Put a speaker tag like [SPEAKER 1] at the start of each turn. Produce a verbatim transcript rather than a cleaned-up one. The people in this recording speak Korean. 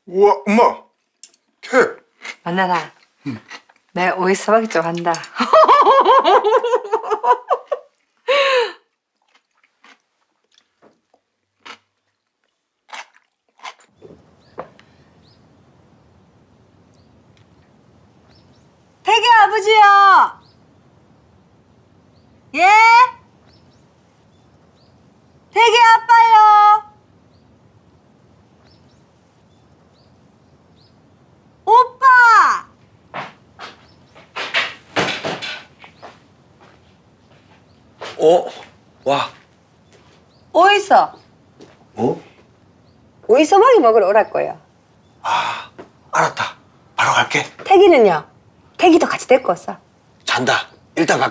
[SPEAKER 1] 우와, 엄마! 캣!
[SPEAKER 2] 만나라. 내 오이 소박이 좀 한다. 태기 아버지요. 예? 태기 아빠요. 오빠.
[SPEAKER 3] 어? 와.
[SPEAKER 2] 어디 있어?
[SPEAKER 3] 어?
[SPEAKER 2] 오이 소박이 먹으러 오랄 거예요.
[SPEAKER 3] 아, 알았다. 바로 갈게.
[SPEAKER 2] 태기는요? 태기도 같이 데리고 왔어.
[SPEAKER 3] 잔다. 일단 갈게.